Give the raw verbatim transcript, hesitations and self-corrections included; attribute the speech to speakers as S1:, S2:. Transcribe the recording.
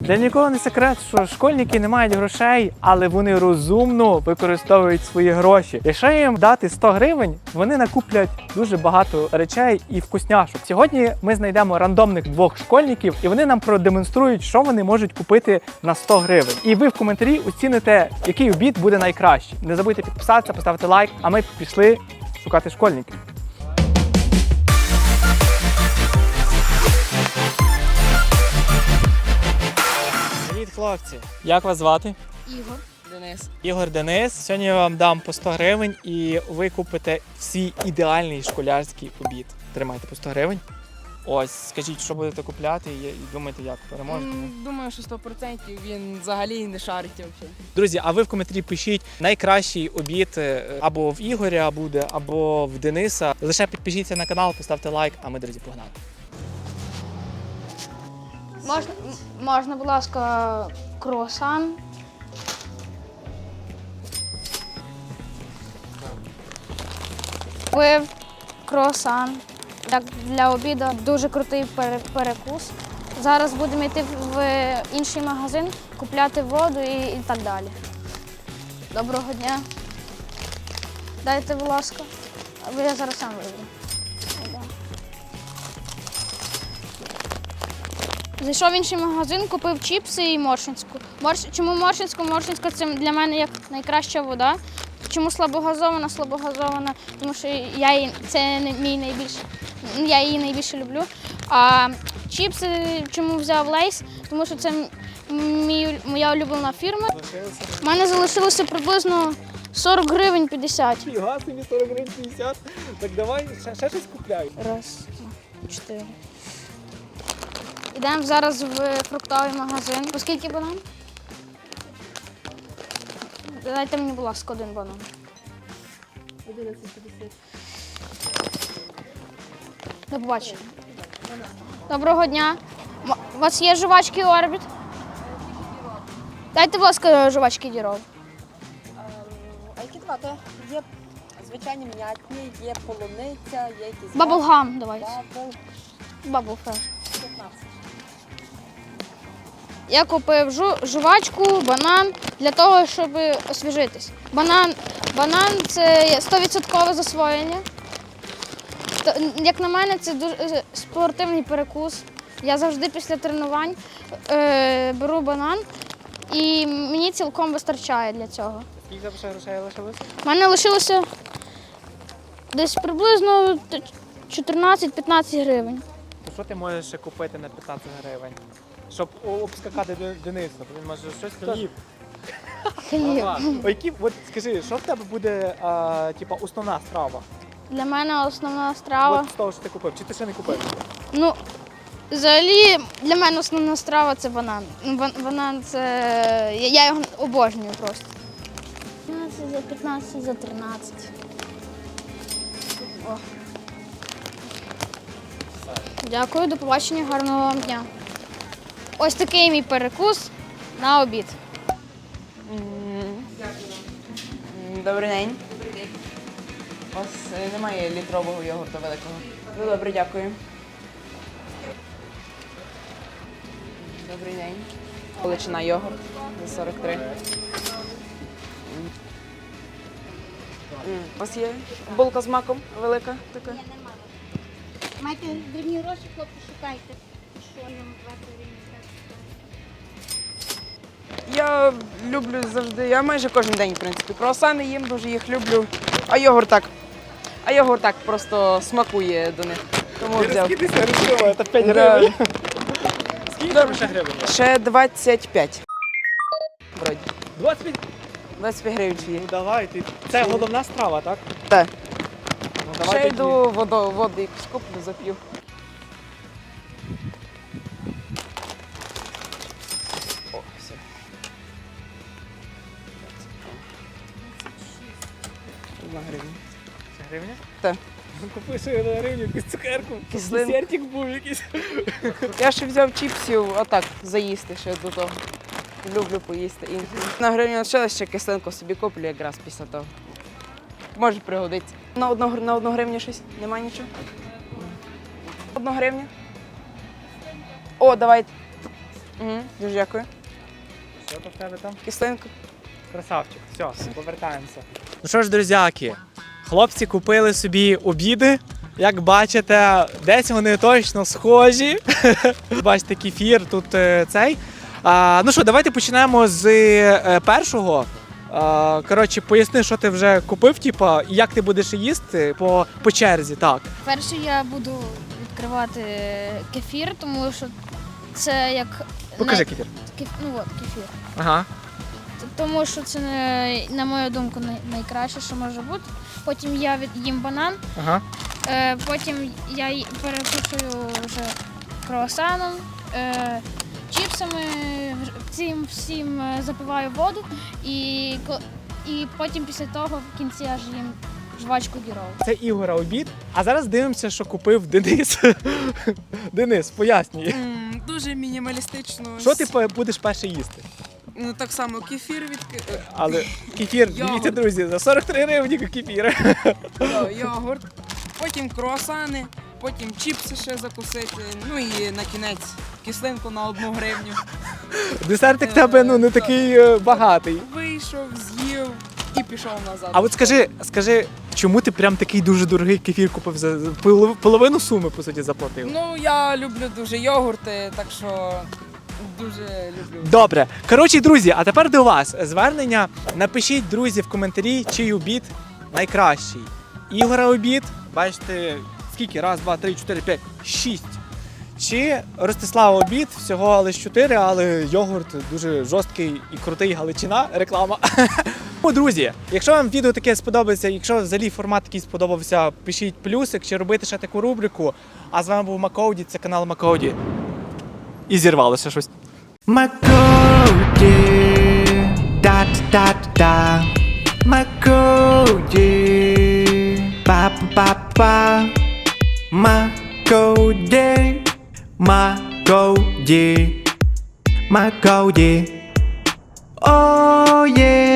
S1: Для нікого не секрет, що школьники не мають грошей, але вони розумно використовують свої гроші. Якщо їм дати сто гривень, вони накуплять дуже багато речей і вкусняшок. Сьогодні ми знайдемо рандомних двох школьників, і вони нам продемонструють, що вони можуть купити на сто гривень. І ви в коментарі оціните, який обід буде найкращий. Не забудьте підписатися, поставити лайк, а ми пішли шукати школьників. Привіт, хлопці! Як вас звати?
S2: Ігор. Денис.
S1: Ігор, Денис. Сьогодні я вам дам по сто гривень і ви купите свій ідеальний школярський обід. Тримайте по сто гривень. Ось, скажіть, що будете купляти і думаєте, як переможете?
S2: М, Думаю, що сто відсотків він взагалі не шарить взагалі.
S1: Друзі, а ви в коментарі пишіть найкращий обід е, або в Ігоря буде, або в Дениса. Лише підпишіться на канал, поставте лайк, а ми, друзі, погнали.
S3: Можна, м- можна, будь ласка, круасан. Пив, круасан. Так, для обіду дуже крутий пере- перекус. Зараз будемо йти в інший магазин, купляти воду і, і так далі. Доброго дня. Дайте, будь ласка. Або я зараз сам вийду. Да. Зайшов в інший магазин, купив чіпси і моршинську. Морш... Чому моршинську? Моршинська – це для мене як найкраща вода. Чому слабогазована? Слабогазована, тому що я її, це не- мій найбільший, я її найбільше люблю. А чіпси чому взяв Лейс? Тому що це м- мій, моя улюблена фірма. У мене залишилося приблизно сорок гривень п'ятдесят.
S1: Фіга собі сорок гривень п'ятдесят. Так давай ще, ще щось купляй.
S3: Раз, два, чотири. Йдемо зараз в фруктовий магазин. По скільки банан? Дайте мені, будь ласка, один банан.
S2: одинадцять п'ятдесят.
S3: До побачення. Доброго дня. М- У вас є жувачки Орбіт? Дайте, будь ласка, жувачки Діров.
S4: А які два? То є звичайні м'ятні, є полуниця, є якісь
S3: Баблгам давайте.
S4: бабл,
S3: Бабл фреш.
S4: п'ятнадцять.
S3: Я купив жу, жувачку, банан для того, щоб освіжитись. Банан, банан це сто відсотків засвоєння. То, як на мене, це дуже е, спортивний перекус. Я завжди після тренувань е, беру банан і мені цілком вистачає для цього.
S1: Скільки ще грошей лишилося?
S3: У мене лишилося десь приблизно чотирнадцять-п'ятнадцять гривень.
S1: То що ти можеш ще купити на п'ятнадцять гривень? Щоб о- обскакати Де- Дениса, бо він може щось хліб.
S3: Хліб.
S1: Ага. О, які, от скажи, що в тебе буде а, типа, основна страва?
S3: Для мене основна страва.
S1: От з того, що ти купив, чи ти ще не купив?
S3: Ну, взагалі, для мене основна страва це банан. Ну, бан- Банан це. Я я його обожнюю просто. п'ятнадцять за п'ятнадцять за тринадцять. О. Дякую, до побачення, гарного вам дня. Ось такий мій перекус на обід.
S4: Добрий день. Ось е, немає літрового йогурту великого. Ну добре, дякую. Добрий день. Величина йогурт за сорок три. М. М, У вас є булка з маком велика така?
S5: Маєте дрібні гроші, хлопці, шукайте. Що нам варто
S4: Я люблю завжди, я майже кожен день, в принципі. Круасани їм, дуже їх люблю. А йогурт так. А йогурт так просто смакує до них. Тому взяв.
S1: Скільки грошима, це п'ять
S4: Да.
S1: гривень. Скільки там ще гривень? є?
S4: Ще двадцять п'ять. Вроді.
S1: двадцять п'ять?
S4: двадцять п'ять гривень ще є.
S1: Ну давай, ти. Це головна страва, так?
S4: Так.
S1: Ну,
S4: Ще
S1: давай тоді.
S4: йду воду, воду якусь куплю, зап'ю. О, все. Одна гривня.
S1: Це гривня?
S4: Так.
S1: Ну, купи ще на гривню якусь цукерку.
S4: Кислинку.
S1: Десертик був якийсь.
S4: Я ще взяв чіпсів, отак, заїсти ще до того. Люблю поїсти. І на гривню лишилось, ще кислинку собі куплю якраз після того. Може пригодиться. На одну, гр- на одну гривню щось? Нема нічого? Одну гривню? О, давайте. Угу, дуже дякую.
S1: Що то в тебе там?
S4: Кислинку.
S1: Красавчик, все, повертаємося. Ну що ж, друзяки, хлопці купили собі обіди. Як бачите, десь вони точно схожі. Бачите, кефір тут е, цей. А, ну що, давайте почнемо з е, першого. А, коротше, поясни, що ти вже купив, типа, і як ти будеш їсти по, по черзі, так.
S3: Перше я буду відкривати кефір, тому що це як.
S1: Покажи
S3: най-
S1: кефір.
S3: кеф- Ну от кефір.
S1: Ага.
S3: Т- Тому що це, е, на мою думку, най- найкраще, що може бути. Потім я від- їм банан,
S1: Ага.
S3: е, потім я й- перекушую вже круасаном, е, чіпсами, вже цим всім е, запиваю воду і, ко- і потім після того в кінці аж їм жвачку гіров.
S1: Це Ігора обід. А зараз дивимося, що купив Денис. Денис, пояснюй.
S2: М, Дуже мінімалістично.
S1: Що ти по- будеш перше їсти?
S2: Ну так само кефір від
S1: Але кефір,
S2: Йогурт.
S1: дивіться, друзі, за сорок три гривні кефір.
S2: йогурт, потім круасани, потім чіпси ще закусити, ну і на кінець кислинку на одну гривню.
S1: Десертик в тебе ну не такий е, багатий.
S2: Вийшов, з'їв і пішов назад.
S1: А от скажи, скажи, чому ти прям такий дуже дорогий кефір купив за за полов- половину суми, по суті, заплатив?
S2: Ну я люблю дуже йогурти, так що дуже люблю.
S1: Добре. Коротше, друзі, а тепер до вас звернення. Напишіть, друзі, в коментарі, чий обід найкращий. Ігора обід, бачите, скільки? Раз, два, три, чотири, п'ять, шість. Чи Ростислава обід, всього лише чотири, але йогурт дуже жорсткий і крутий, галичина, реклама. Ну, друзі, якщо вам відео таке сподобається, якщо взагалі формат такий сподобався, пишіть плюсик, чи робити ще таку рубрику. А з вами був Макоуді, це канал Макоуді. І зірвалося щось.
S6: Макоуді, да-да-да-да. Макоуді, па-па-па-па. Макоуді, Макоуді, Макоуді. Oh yeah.